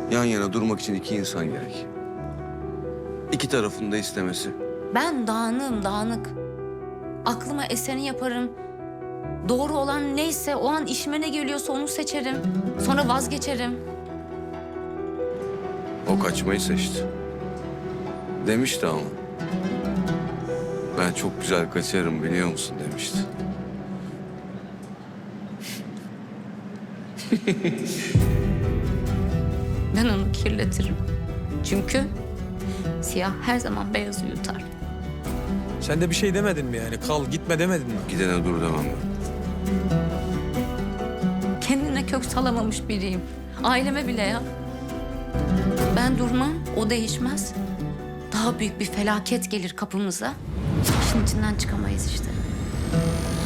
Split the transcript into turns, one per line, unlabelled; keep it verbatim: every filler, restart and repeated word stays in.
Yan yana durmak için iki insan gerek. İki tarafın da istemesi.
Ben dağınığım, dağınık. Aklıma eseni yaparım. Doğru olan neyse, o an işime ne geliyorsa onu seçerim. Sonra vazgeçerim.
O kaçmayı seçti. Demişti ama. Ben çok güzel kaçarım biliyor musun demişti.
Ben onu kirletirim. Çünkü siyah her zaman beyazı yutar.
Sen de bir şey demedin mi yani? Kal gitme demedin mi?
Gidene dur demem ben.
Kendine kök salamamış biriyim. Aileme bile ya. Ben durmam, o değişmez. Daha büyük bir felaket gelir kapımıza. İşin içinden çıkamayız işte.